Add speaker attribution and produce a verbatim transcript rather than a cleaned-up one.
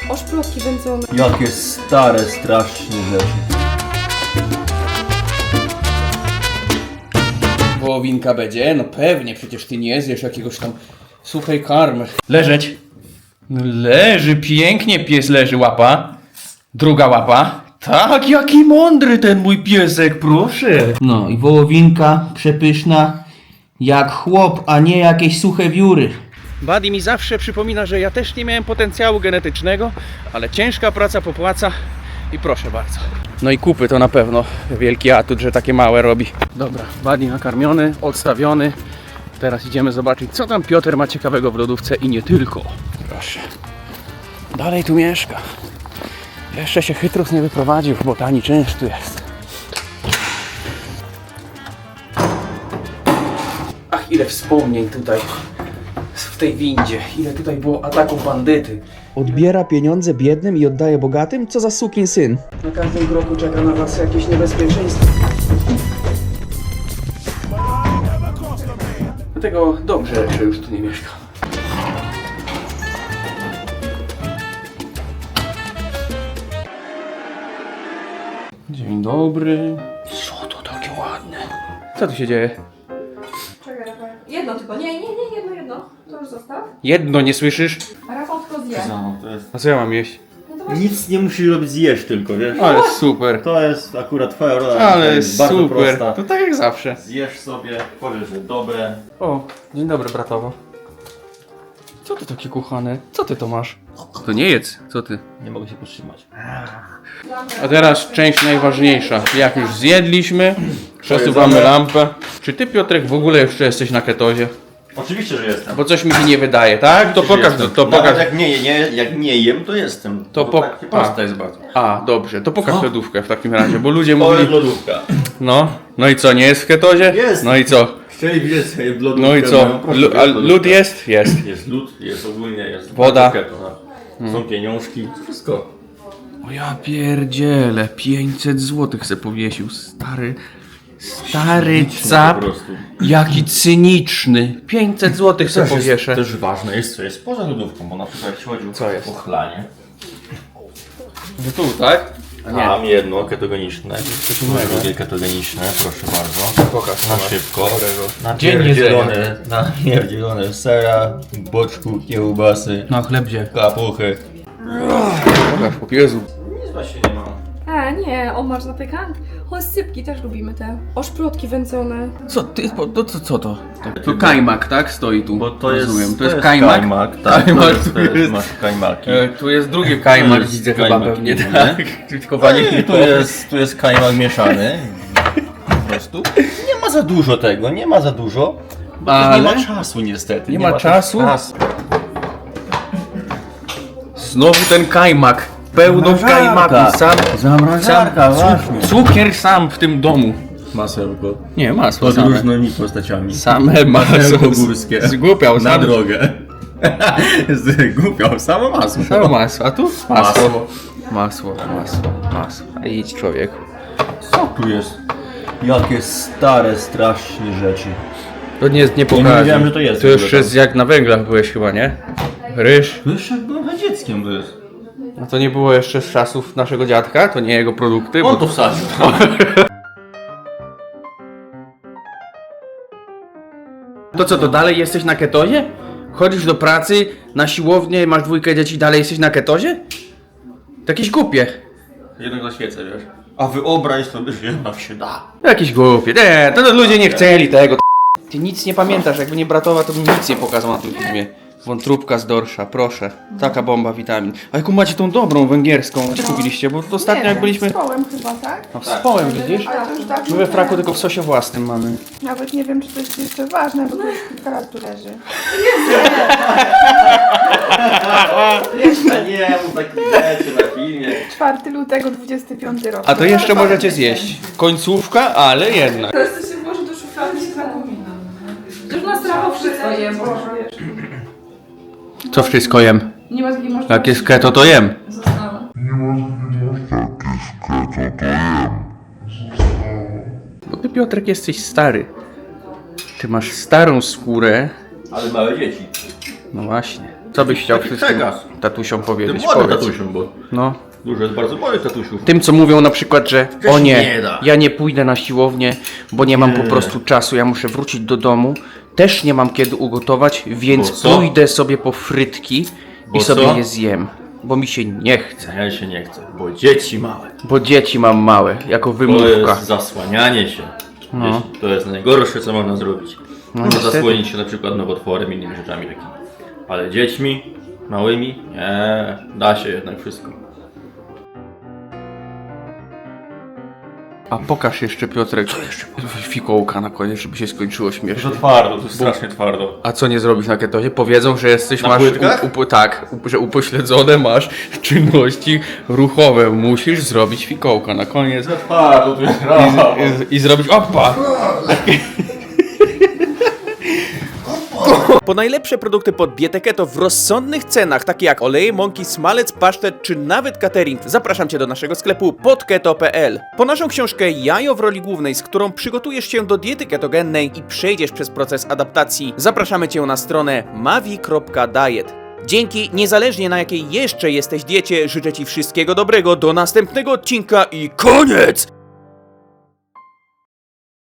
Speaker 1: Oszplotki wędzone.
Speaker 2: Jakie stare, strasznie rzeczy.
Speaker 3: Wołowinka będzie? No pewnie, przecież ty nie zjesz jakiegoś tam suchej karmy. Leżeć. No leży, pięknie pies leży, łapa. Druga łapa. Tak, jaki mądry ten mój piesek, proszę. No i wołowinka przepyszna jak chłop, a nie jakieś suche wióry. Buddy mi zawsze przypomina, że ja też nie miałem potencjału genetycznego, ale ciężka praca popłaca i proszę bardzo. No i kupy to na pewno wielki atut, że takie małe robi. Dobra, Buddy nakarmiony, odstawiony. Teraz idziemy zobaczyć, co tam Piotr ma ciekawego w lodówce i nie tylko. Proszę. Dalej tu mieszka. Jeszcze się chytrus nie wyprowadził, bo tani czynsz tu jest. Ach, ile wspomnień tutaj w tej windzie. Ile tutaj było ataków bandyty.
Speaker 4: Odbiera pieniądze biednym i oddaje bogatym? Co za sukin syn.
Speaker 3: Na każdym kroku czeka na was jakieś niebezpieczeństwo. Dlatego dobrze, że już tu nie mieszkam. Dzień dobry. Co to takie ładne? Co tu się dzieje?
Speaker 1: Czekaj, Rafał. Jedno tylko. Nie, nie, nie, jedno, jedno. To już zostaw.
Speaker 3: Jedno nie słyszysz?
Speaker 1: A Rafał tylko zje.
Speaker 2: No, to jest...
Speaker 3: A co ja mam jeść?
Speaker 1: No to właśnie.
Speaker 2: Nic nie musisz robić, zjesz tylko, wiesz?
Speaker 3: Ale super.
Speaker 2: To jest akurat twoja rola. to
Speaker 3: Ale
Speaker 2: jest bardzo
Speaker 3: super.
Speaker 2: prosta.
Speaker 3: To tak jak zawsze.
Speaker 2: Zjesz sobie, powiesz, że dobre.
Speaker 3: O, dzień dobry bratowo. Co ty takie kuchane? Co ty to masz? To nie jedz, co ty?
Speaker 2: Nie mogę się powstrzymać.
Speaker 3: A teraz część najważniejsza. Jak już zjedliśmy, przesuwamy lampę. Czy ty, Piotrek, w ogóle jeszcze jesteś na ketozie?
Speaker 2: Oczywiście, że jestem.
Speaker 3: Bo coś mi się nie wydaje, tak? To pokaż, to, to
Speaker 2: Nawet
Speaker 3: pokaż.
Speaker 2: jak nie, nie, jak nie jem, to jestem.
Speaker 3: To
Speaker 2: Bo
Speaker 3: po-
Speaker 2: tak prosta jest bardzo.
Speaker 3: A, dobrze, to pokaż lodówkę w takim razie, bo ludzie
Speaker 2: To jest
Speaker 3: mówili...
Speaker 2: lodówka.
Speaker 3: No, no i co, nie jest w ketozie?
Speaker 2: Jest.
Speaker 3: No i co?
Speaker 2: Chcieli widzieć sobie w lodówkę.
Speaker 3: No i co?
Speaker 2: moją, proszę,
Speaker 3: Lu- a
Speaker 2: jest lodówka.
Speaker 3: lód jest? Jest.
Speaker 2: Jest lód, jest ogólnie, jest
Speaker 3: Woda.
Speaker 2: keto, no. Są pieniążki, wszystko.
Speaker 3: O ja pierdzielę, pięćset złotych se powiesił, stary, stry cap,
Speaker 2: Po prostu.
Speaker 3: jaki cyniczny, pięćset złotych se
Speaker 2: Też,
Speaker 3: powieszę.
Speaker 2: jest, też ważne jest, co jest poza lodówką, bo na przykład jeśli chodzi
Speaker 3: Co jest?
Speaker 2: o chlanie.
Speaker 3: No tu, tak? A nie,
Speaker 2: Mam jedno ketogeniczne,
Speaker 3: coś innego.
Speaker 2: drugie ketogeniczne, proszę bardzo.
Speaker 3: pokaż.
Speaker 2: Na szybko.
Speaker 3: Dzień
Speaker 2: Napierdzielone, napierdzielone sera, boczku, kiełbasy,
Speaker 3: Na chlebzie.
Speaker 2: kapuchy.
Speaker 3: Pokaż, po Jezu.
Speaker 2: Nic właśnie nie mam.
Speaker 1: A nie, o masz zapykant. O, sypki też lubimy te. Oszplotki wędzone.
Speaker 3: Co ty, po- to, co, co to? To kajmak, tak? Stoi tu.
Speaker 2: Bo to jest,
Speaker 3: Rozumiem. To jest kajmak?
Speaker 2: kajmak tak,
Speaker 3: Kajmak
Speaker 2: to jest,
Speaker 3: tu
Speaker 2: to jest,
Speaker 3: jest.
Speaker 2: masz kajmaki.
Speaker 3: E, tu jest drugi kajmak,
Speaker 2: To jest
Speaker 3: widzę chyba
Speaker 2: kajmak
Speaker 3: pewnie,
Speaker 2: inny.
Speaker 3: tak? Tylko panie
Speaker 2: I tu jest, tu jest kajmak mieszany. Po prostu. Nie ma za dużo tego, nie ma za dużo. Bo też nie
Speaker 3: Ale?
Speaker 2: ma czasu niestety.
Speaker 3: Nie ma
Speaker 2: też
Speaker 3: czasu?
Speaker 2: czasu.
Speaker 3: Znowu ten kajmak. Pełno
Speaker 2: Zamrażarka.
Speaker 3: kajmaku. Sam,
Speaker 2: Zamrażarka,
Speaker 3: sam,
Speaker 2: właśnie.
Speaker 3: cukier sam w tym domu.
Speaker 2: Masełko.
Speaker 3: Nie, masło
Speaker 2: Pod
Speaker 3: same.
Speaker 2: różnymi postaciami.
Speaker 3: Same masło.
Speaker 2: Masełko górskie.
Speaker 3: Zgłupiał
Speaker 2: Na
Speaker 3: sam.
Speaker 2: drogę. Zgubiał samo masło.
Speaker 3: Same masło, a tu masło.
Speaker 2: Masło.
Speaker 3: Masło, masło, masło. A idź człowieku.
Speaker 2: Co tu jest? Jakie stare, strasznie rzeczy.
Speaker 3: To nie, nie
Speaker 2: nie
Speaker 3: pokażę.
Speaker 2: wiedziałem, że to jest
Speaker 3: To
Speaker 2: w
Speaker 3: już
Speaker 2: ogóle
Speaker 3: jest jak na węglach byłeś chyba, nie? Ryż.
Speaker 2: To jeszcze jak byłem dzieckiem to jest.
Speaker 3: A to nie było jeszcze z czasów naszego dziadka? To nie jego produkty?
Speaker 2: On
Speaker 3: Bo...
Speaker 2: to wsadził.
Speaker 3: To co, to dalej jesteś na ketozie? Chodzisz do pracy, na siłownię, masz dwójkę dzieci, dalej jesteś na ketozie? To jakieś głupie.
Speaker 2: Jednak na świecę, wiesz. A wyobraź sobie, że jednak się da.
Speaker 3: Jakieś głupie. Nie, to ludzie nie chcieli tego. Ty nic nie pamiętasz, jakby nie bratowa, to bym nic nie pokazał na tym filmie. Wątróbka z dorsza, proszę. Taka bomba witamin. A jaką macie tą dobrą węgierską? Gdzie kupiliście? Bo to ostatnio jak byliśmy...
Speaker 1: Z kołem chyba, tak?
Speaker 3: No wspołem, widzisz?
Speaker 1: Ale to już tak.
Speaker 3: My we fraku tylko w sosie własnym mamy.
Speaker 1: Nawet nie wiem, czy to jest jeszcze ważne, bo to już kilka lat tu leży.
Speaker 2: Jeszcze nie, mów takich rzeczy na filmie.
Speaker 1: czwartego lutego dwudziesty piąty rok.
Speaker 3: A to jeszcze możecie zjeść. Końcówka, ale jednak.
Speaker 1: Teraz to się włoży do szuflady i się zapomina. Już na strawo wszystko jem, bo wiesz.
Speaker 3: Co wszystko jem?
Speaker 1: Nie ma takiej możliwości.
Speaker 3: Jak jest keto, to jem.
Speaker 1: Została.
Speaker 3: Bo ty, Piotrek, jesteś stary. Ty masz starą skórę.
Speaker 2: Ale małe dzieci.
Speaker 3: No właśnie. Co byś chciał
Speaker 2: Taki
Speaker 3: wszystkim
Speaker 2: przekaz.
Speaker 3: tatusiom
Speaker 2: Tym
Speaker 3: powiedzieć?
Speaker 2: młodym
Speaker 3: Powiedz.
Speaker 2: tatusiom, bo
Speaker 3: No.
Speaker 2: dużo jest bardzo młodych tatusiów.
Speaker 3: Tym, co mówią na przykład, że o
Speaker 2: się
Speaker 3: nie,
Speaker 2: nie da.
Speaker 3: ja nie pójdę na siłownię, bo nie mam
Speaker 2: Nie.
Speaker 3: po prostu czasu, ja muszę wrócić do domu, też nie mam kiedy ugotować, więc
Speaker 2: Bo co?
Speaker 3: pójdę sobie po frytki
Speaker 2: Bo
Speaker 3: i sobie
Speaker 2: co?
Speaker 3: je zjem, bo mi się nie chce,
Speaker 2: Ja się nie chcę, bo dzieci małe.
Speaker 3: bo dzieci mam małe, jako
Speaker 2: To
Speaker 3: wymówka.
Speaker 2: jest zasłanianie się.
Speaker 3: No.
Speaker 2: Dzieci, to jest najgorsze, co można zrobić.
Speaker 3: No
Speaker 2: Można
Speaker 3: niestety.
Speaker 2: zasłonić się na przykład nowotworem i innymi rzeczami takimi. Ale dziećmi małymi? Nie, da się jednak wszystko.
Speaker 3: A pokaż jeszcze, Piotrek, fikołka na koniec, żeby się skończyło śmiesznie.
Speaker 2: twardo, to jest strasznie twardo.
Speaker 3: A co nie zrobisz na ketozie? Powiedzą, że jesteś,
Speaker 2: Na
Speaker 3: masz,
Speaker 2: płytkach?
Speaker 3: u, u, tak, u, że upośledzone masz czynności ruchowe. Musisz zrobić fikołka na koniec
Speaker 2: Za twardo, to jest
Speaker 3: i, i, i zrobić opa!
Speaker 5: Po najlepsze produkty pod dietę keto w rozsądnych cenach, takie jak oleje, mąki, smalec, pasztet czy nawet catering, zapraszam Cię do naszego sklepu podketo kropka p l. Po naszą książkę Jajo w roli głównej, z którą przygotujesz się do diety ketogennej i przejdziesz przez proces adaptacji, zapraszamy Cię na stronę mavi kropka diet. Dzięki, niezależnie na jakiej jeszcze jesteś diecie, życzę Ci wszystkiego dobrego, do następnego odcinka i koniec!